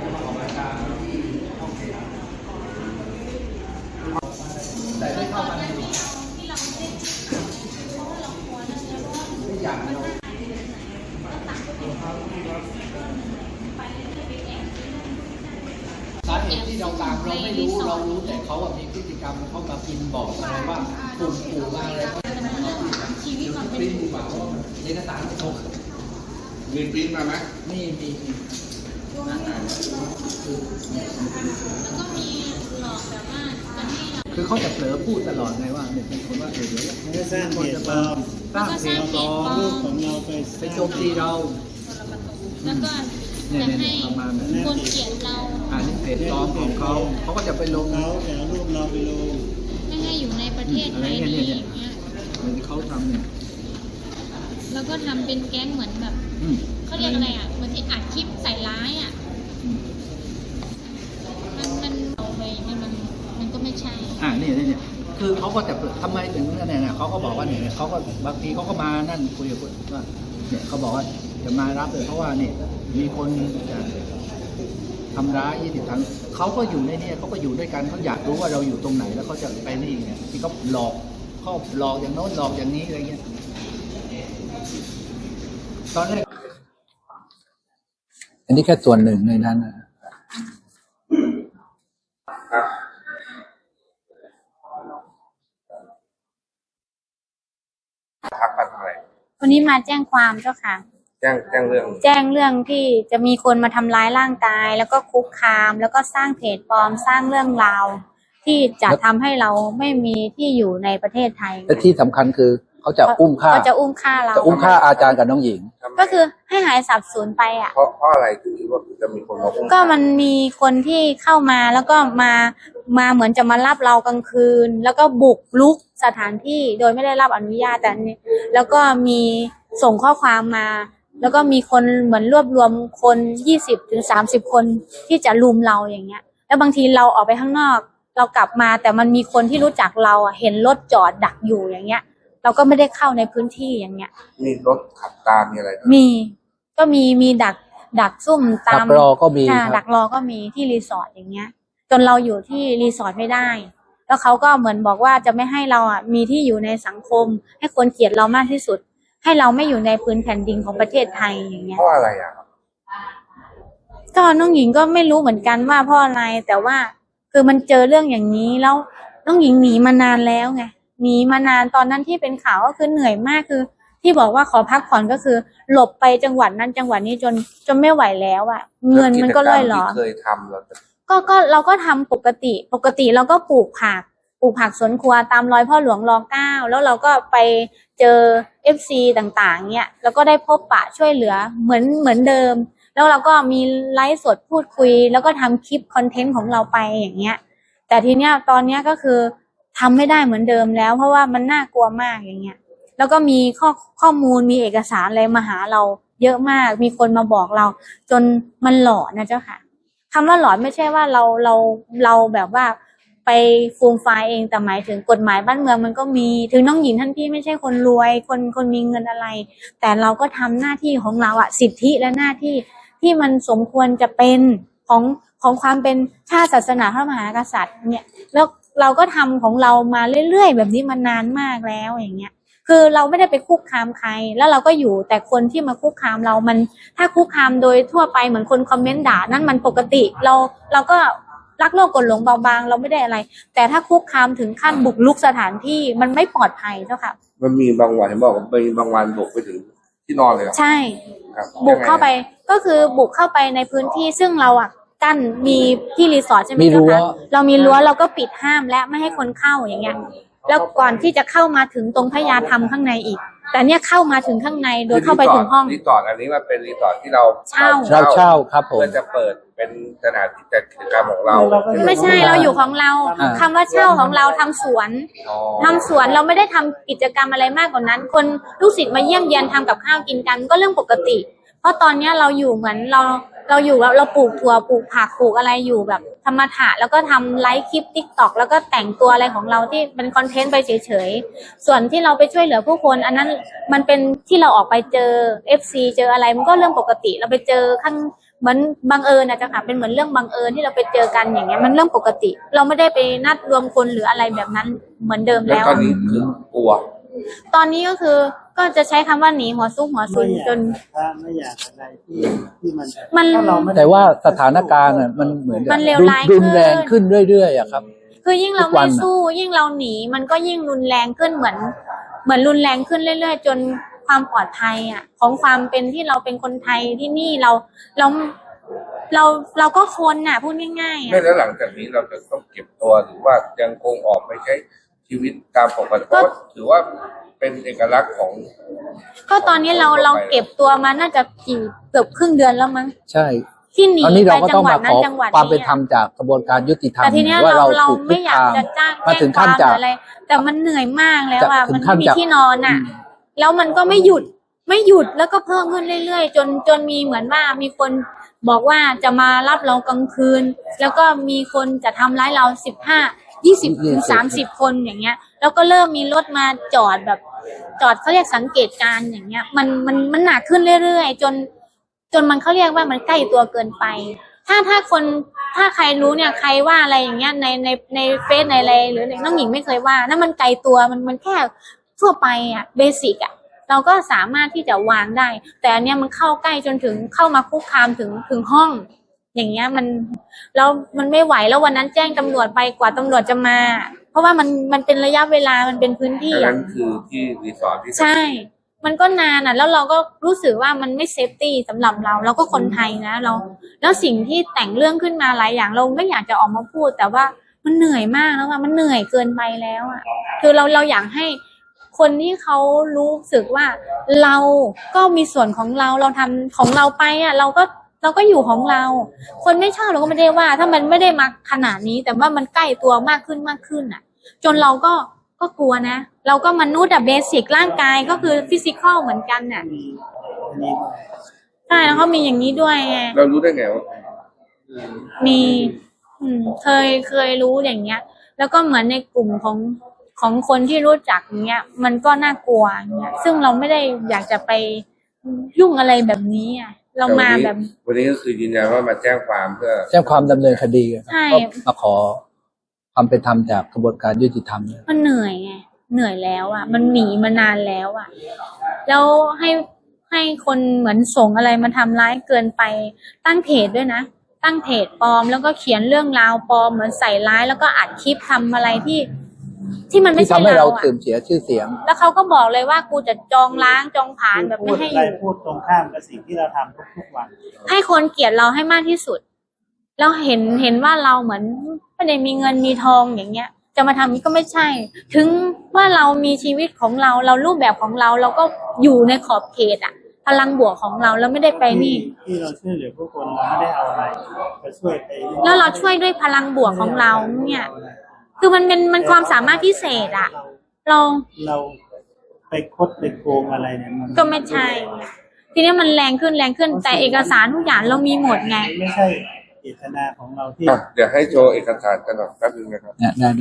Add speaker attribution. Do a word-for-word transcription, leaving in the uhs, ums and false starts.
Speaker 1: จะมาออกรายการที่ห้องเสียงแต่ได้เข้ามาในที่เราไม่เพราะว่าเราควรไม่อยากเราสาเหตุที่เราตามเราไม่รู้เรารู้แต่เขามีพฤติกรรมเขามาพิมพ์บอกอะไรว่าปุ่มปู่มาอะไรเขาชีวิตมันเป็นปู่บ่าวเอกสารตก
Speaker 2: มีปริ้นมาไหม
Speaker 1: นี่มี
Speaker 3: แล้วก็มีหลอกแบบว่าจะให้เรา
Speaker 1: คือเขาจะเผลอพูดตลอดไงว่าเนี่ยเป็นคนว่าเดี๋ยวเดี๋ยว
Speaker 4: สร้างเพจปลอม
Speaker 1: สร้างเพจปลอม
Speaker 4: รูปของเราไป
Speaker 1: ไปโจมตีเรา
Speaker 3: แล้วก็จะให้คนเกลียดเรา
Speaker 1: อ่านี่เพจปลอมของเขาเขาก็จะไปลง
Speaker 4: เขาแต่รูปเราไปลง
Speaker 3: ไม่ให้อยู่ในประเทศไทยนี้อย่างเงี้ย
Speaker 1: เหมือนที่เขาทำเนี่ย
Speaker 3: แล้วก็ทำเป็นแก๊งเหมือนแบบเขาเรียกอะไรอ่ะเหมือนที่อัดคลิปใส่ร้ายอ่ะมันมันเอาไปมันมันมันก็ไม่ใช่
Speaker 1: อ่านี่นี่เนี่ยคือเขาก็จะทำไมถึงเนี่ยเนี่ยเขาก็บอกว่าเนี่ยเขาก็บางทีเขาก็มานั่นคุยกับคนว่าเนี่ยเขาบอกว่าจะมารับเลยเพราะว่าเนี่ยมีคนจะทำร้ายยี่สิบครั้งเขาก็อยู่ในเนี่ยเขาก็อยู่ด้วยกันเขาอยากรู้ว่าเราอยู่ตรงไหนแล้วเขาจะไปนี่เนี่ยที่เขาหลอกเขาหลอกอย่างโน้นหลอกอย่างนี้อะไรเงี้ยตอนแรกอันนี้แค่ส่วนหนึ่งในนั้นนะ
Speaker 2: ทักกันอะไร
Speaker 3: วันนี้มาแจ้งความเจ้าค่ะ
Speaker 2: แจ้งแจ้งเรื่อง
Speaker 3: แจ้งเรื่องที่จะมีคนมาทำร้ายร่างกายแล้วก็คุกคามแล้วก็สร้างเพจปลอมสร้างเรื่องราวที่จะทำให้เราไม่มีที่อยู่ในประเทศไทย
Speaker 1: และที่สำคัญคือเขาจะอุ้มฆ่า
Speaker 3: เขาจะอุ้มฆ่าเรา
Speaker 1: จะอุ้มฆ่าอาจารย์กับน้องหญิง
Speaker 3: ก็คือให้หายสับสูญไปอ่ะ
Speaker 2: เพราะเพราะอะไรถึงว่าจะมีคนมาอุ้ม
Speaker 3: ก็มันมีคนที่เข้ามาแล้วก็มามาเหมือนจะมารับเรากลางคืนแล้วก็บุกรุกสถานที่โดยไม่ได้รับอนุญาตแต่แล้วก็มีส่งข้อความมาแล้วก็มีคนเหมือนรวบรวมคนยี่สิบถึงสามสิบคนที่จะลุมเราอย่างเงี้ยแล้วบางทีเราออกไปข้างนอกเรากลับมาแต่มันมีคนที่รู้จักเราอ่ะเห็นรถจอดดักอยู่อย่างเงี้ยเราก็ไม่ได้เข้าในพื้นที่อย่างเงี้ย
Speaker 2: มีรถขับตามมีอะไร
Speaker 3: มีก็มีมีดักดักซุ่มตาม
Speaker 1: ดักรอก็มี
Speaker 3: ดักรอก็มีที่รีสอร์ทอย่างเงี้ยจนเราอยู่ที่รีสอร์ทไม่ได้แล้วเขาก็เหมือนบอกว่าจะไม่ให้เราอ่ะมีที่อยู่ในสังคมให้คนเกลียดเรามากที่สุดให้เราไม่อยู่ในพื้นแผ่นดินของประเทศไทยอย่างเงี้ย
Speaker 2: เพราะอะไรอ่ะ
Speaker 3: ก็น้องหญิงก็ไม่รู้เหมือนกันว่าเพราะอะไรแต่ว่าคือมันเจอเรื่องอย่างนี้แล้วน้องหญิงหนีมานานแล้วไงหนีมานานตอนนั้นที่เป็นข่าวก็คือเหนื่อยมากคือที่บอกว่าขอพักผ่อนก็คือหลบไปจังหวัดนั้นจังหวัดนี้จนจนไม่ไหวแล้วอ่ะเงินมันก็ล่อยหลอ
Speaker 2: เคยทำแล้ว
Speaker 3: ก็ก็เราก็ทำปกติปกติเราก็ปลูกผักปลูกผักสวนครัวตามรอยพ่อหลวงรอเก้าแล้วเราก็ไปเจอ เอฟ ซี ต่างๆเนี่ยแล้วก็ได้พบปะช่วยเหลือเหมือนเหมือนเดิมแล้วเราก็มีไลฟ์สดพูดคุยแล้วก็ทำคลิปคอนเทนต์ของเราไปอย่างเงี้ยแต่ทีเนี้ยตอนเนี้ยก็คือทำไม่ได้เหมือนเดิมแล้วเพราะว่ามันน่ากลัวมากอย่างเงี้ยแล้วก็มีข้อข้อมูลมีเอกสารอะไรมาหาเราเยอะมากมีคนมาบอกเราจนมันหลอนนะเจ้าค่ะคำว่าหลอนไม่ใช่ว่าเราเราเราแบบว่าไปฟูมไฟเองแต่หมายถึงกฎหมายบ้านเมืองมันก็มีถึงน้องหญิงท่านพี่ไม่ใช่คนรวยคนคนมีเงินอะไรแต่เราก็ทำหน้าที่ของเราอะสิทธิและหน้าที่ที่มันสมควรจะเป็นของของความเป็นชาติศาสนาพระมหากษัตริย์เนี่ยแล้วเราก็ทำของเรามาเรื่อยๆแบบนี้มานานมากแล้วอย่างเงี้ยคือเราไม่ได้ไปคุกคามใครแล้วเราก็อยู่แต่คนที่มาคุกคามเรามันถ้าคุกคามโดยทั่วไปเหมือนคนคอมเมนต์ด่านั่นมันปกติเราเราก็รักโลกกดหลงเบาบางเราไม่ได้อะไรแต่ถ้าคุกคามถึงขั้นบุกรุกสถานที่มันไม่ปลอดภัยเจ้าค่ะ
Speaker 2: มันมีบางวันเห็นบอกว่ามีบางวันบุกไปถึงที่นอนเลย
Speaker 3: ใช่บุกเข้าไปก็คือบุกเข้าไปในพื้นที่ซึ่งเราอ่ะกั้นมีที่รีสอร์ทใช่ไหมเจ้าค่ะเรามีรั้วเราก็ปิดห้ามและไม่ให้คนเข้าอย่างเงี้ยแล้วก่อนที่จะเข้ามาถึงตรงพญาธรรมข้างในอีกแต่เนี้ยเข้ามาถึงข้างในโดยเข้าไปถึงห้อง
Speaker 2: รีสอร์ทอันนี้มันเป็นรีสอร์ทที่เรา
Speaker 3: เช่า
Speaker 1: เช่าเช่าครับผม
Speaker 2: เพื่อจะเปิดเป็นสถานที่จัดกิจกรรมของเรา
Speaker 3: ไม่ใช่เราอยู่ของเราคำว่าเช่าของเราทำสวนทำสวนเราไม่ได้ทำกิจกรรมอะไรมากกว่านั้นคนลูกศิษย์มาเยี่ยมเยียนทำกับข้าวกินกันก็เรื่องปกติเพราะตอนเนี้ยเราอยู่เหมือนเราเราอยู่เราเราปลูกถั่วปลูกผักปลูกอะไรอยู่แบบธรรมะแล้วก็ทำไลฟ์คลิป ติ๊กต็อก แล้วก็แต่งตัวอะไรของเราที่เป็นคอนเทนต์ไปเฉยๆส่วนที่เราไปช่วยเหลือผู้คนอันนั้นมันเป็นที่เราออกไปเจอ เอฟ ซี เจออะไรมันก็เรื่องปกติเราไปเจอข้างเหมือนบังเอิญนะเจ้าค่ะเป็นเหมือนเรื่องบังเอิญที่เราไปเจอกันอย่างเงี้ยมันเรื่องปกติ เราไม่ได้ไปนัดรวมคนหรืออะไรแบบนั้นเหมือนเดิม
Speaker 2: แล้ว
Speaker 3: แล้ว
Speaker 2: ตอนนี้คือกลัว
Speaker 3: ตอนนี้ก็คือก็จะใช้คำว่าหนีหัวซุกหัวซุน
Speaker 4: ไม่อยาก
Speaker 3: จน
Speaker 4: ถ้าไม่อยากอะไรที่ที่มัน
Speaker 3: มัน
Speaker 4: ถ้าเราไม่
Speaker 1: แต่ว่าสถานการณ์น่ะมันเหมือน
Speaker 3: มันเลวร้าย
Speaker 1: รุนแรง
Speaker 3: ขึ้
Speaker 1: ขึ้
Speaker 3: น
Speaker 1: นเรื่อยๆอะครับ
Speaker 3: คือยิ่งเรา
Speaker 1: ทุกวั
Speaker 3: ไม่
Speaker 1: นน่ะ
Speaker 3: สู้ ยิ่งเราหนีมันก็ยิ่งรุนแรงขึ้นเหมือน เหมือนรุนแรงขึ้นเรื่อยๆจนความปลอดภัยอ่ะ ของความเป็นที่เราเป็นคนไทยที่นี่เราเราเราเราก็คนน่ะพูดง่ายๆ
Speaker 2: ไม่
Speaker 3: อ่ะ
Speaker 2: แล้วหลังจากนี้เราจะต้องเก็บตัวหรือว่ายังคงออกไปใช้ชีวิตตามปกติเพราะว่าถือว่าเป็นเอกลักษณ์ของ
Speaker 3: ก็ตอนนี้เราเราเก็บตัวมาน่าจะกี่เกือบครึ่งเดือนแล้วมั้ง
Speaker 1: ใช่
Speaker 3: ที่หนี
Speaker 1: ตอนนี้
Speaker 3: ไป
Speaker 1: เราก็
Speaker 3: จั
Speaker 1: ต้อง
Speaker 3: งหวัด
Speaker 1: มา
Speaker 3: นั้
Speaker 1: ข
Speaker 3: น
Speaker 1: อ
Speaker 3: จังหวัด
Speaker 1: ความเป็น
Speaker 3: นี้
Speaker 1: ธรรมจากกระบวนการยุติธรรม
Speaker 3: แต่ทีเนี้ย
Speaker 1: ว่า
Speaker 3: เรา
Speaker 1: เรา
Speaker 3: เรา
Speaker 1: ถูกคุ
Speaker 3: ไม่
Speaker 1: ก
Speaker 3: อยาก
Speaker 1: คาม
Speaker 3: จะจ้าง
Speaker 1: มา
Speaker 3: แจ้
Speaker 1: ถึ
Speaker 3: ง
Speaker 1: ง
Speaker 3: ค
Speaker 1: ขั้น
Speaker 3: วามห
Speaker 1: จะ
Speaker 3: รืออะไร แต่มันเหนื่อยมากแล้วอ่ะ
Speaker 1: จะถึ
Speaker 3: มัน
Speaker 1: งขั้
Speaker 3: ไม่
Speaker 1: น
Speaker 3: มี
Speaker 1: จะ
Speaker 3: ที่นอนอ่ะ แล้วมันก็ไม่หยุดไม่หยุดแล้วก็เพิ่มขึ้นเรื่อยๆ จนจนมีเหมือนว่ามีคนบอกว่าจะมารับเรากลางคืน แล้วก็มีคนจะทำร้ายเราสิบห้ายี่สิบถึงสามสิบคนอย่างเงี้ย แล้วก็เริ่มมีรถมาจอดแบบจอดเขาเรียกสังเกตการณ์อย่างเงี้ย มันมันมันหนักขึ้นเรื่อยๆจน จนมันเขาเรียกว่ามันใกล้ตัวเกินไป ถ้าถ้าคนถ้าใครรู้เนี่ยใครว่าอะไรอย่างเงี้ยในในในเฟซในอะไรหรือน้องหญิงไม่เคยว่านั่นมันไกลตัวมันมันแค่ทั่วไปอ่ะเบสิกอ่ะเราก็สามารถที่จะวางได้ แต่อันเนี้ยมันเข้าใกล้จนถึงเข้ามาคุกคามถึงถึงห้อง อย่างเงี้ยมันแล้วมันไม่ไหวแล้ววันนั้นแจ้งตำรวจไปกว่าตำรวจจะมา เพราะว่ามันมันเป็นระยะเวลามันเป็นพื้นที่
Speaker 2: อัน
Speaker 3: อ่ะ
Speaker 2: นั้นคือที่รีสอร์ทที่
Speaker 3: ใช่ มันก็นานอ่ะ แล้วเราก็รู้สึกว่ามันไม่เซฟตี้สำหรับเรา เราก็คนไทยนะเรา แล้วสิ่งที่แต่งเรื่องขึ้นมาหลายอย่างเราไม่อยากจะออกมาพูด แต่ว่ามันเหนื่อยมากแล้วอ่ะมันเหนื่อยเกินไปแล้วอ่ะ คือเราเราอยากให้คนที่เขารู้สึกว่าเราก็มีส่วนของเรา เราทำของเราไปอ่ะ เราก็เราก็อยู่ของเรา คนไม่ชอบเราก็ไม่ได้ว่า ถ้ามันไม่ได้มาขนาดนี้ แต่ว่ามันใกล้ตัวมากขึ้นมากขึ้นอ่ะ จนเราก็ก็กลัวนะ เราก็มนุษย์อะเบสิกร่างกายก็คือฟิสิกอลเหมือนกันน่ะ
Speaker 4: มีอันนี้
Speaker 3: ใช่แล้วเขามีอย่างนี้ด้วยไง
Speaker 2: เรารู้ได้ไงว่า
Speaker 3: มี อืม เคยเคยรู้อย่างเงี้ย แล้วก็เหมือนในกลุ่มของของคนที่รู้จักอย่างเงี้ย มันก็น่ากลัวอย่างเงี้ย ซึ่งเราไม่ได้อยากจะไปยุ่งอะไรแบบนี้อ่ะ เรามาแบบ
Speaker 2: วันนี้ก็คือยืนยันว่ามาแจ้งความเพื่อ
Speaker 1: แจ้งความดำเนินคดีครับ
Speaker 3: ใช่
Speaker 1: ก็มาขอความเป็นธรรมจากกระบวนการยุติธรรม
Speaker 3: มันเหนื่อยไง เหนื่อยแล้วอ่ะ มันหนีมานานแล้วอ่ะ แล้วให้ให้คนเหมือนส่งอะไรมาทำร้ายเกินไป ตั้งเพจด้วยนะ ตั้งเพจปลอมแล้วก็เขียนเรื่องราวปลอมเหมือนใส่ร้ายแล้วก็อัดคลิปทำอะไรที่ ที่มันไม่
Speaker 1: ที่
Speaker 3: ใช่
Speaker 1: ทำให้เรา
Speaker 3: เราอ่ะ
Speaker 1: เสื่อมเสียชื่อเสียง
Speaker 3: แล้วเขาก็บอกเลยว่ากูจะจองล้างจองผลาญแบบ
Speaker 4: พู
Speaker 3: ไม่
Speaker 4: ด
Speaker 3: ให้อ
Speaker 4: อะไร
Speaker 3: ยู่
Speaker 4: พูดตรงข้ามกับสิ่งที่เราทำทุกๆวัน
Speaker 3: ให้คนเกลียดเราให้มากที่สุด แล้วเห็นเห็นว่าเราเหมือนไม่ได้มีเงินมีทองอย่างเงี้ย จะมาทำนี้ก็ไม่ใช่ ถึงว่าเรามีชีวิตของเรา เรารูปแบบของเรา เราก็อยู่ในขอบเขตอะพลังบวกของเราแล้วไม่ได้ไปนี่
Speaker 4: ที่เราช่วยเหลือผู้คนเราไม่ได้เอาอะไรไปช่วยไป
Speaker 3: แล้วเราช่วยด้วยพลังบวกของเราเนี่ย คือมันเป็นมันความสามารถพิเศษอะเรา
Speaker 4: เราไปคดไปโกงอะไรเนี่ยมัน
Speaker 3: ก็ไม่ใช่ ทีนี้มันแรงขึ้นแรงขึ้น แต่เอกสารทุกอย่างเรามีหมดไง
Speaker 4: ไม่ใช่เจตนาของเราที่
Speaker 2: อ่ะเดี๋ยวให้โชว์เอกสารกันหน่อยแป๊บนึงนะครับ
Speaker 1: เนี่ย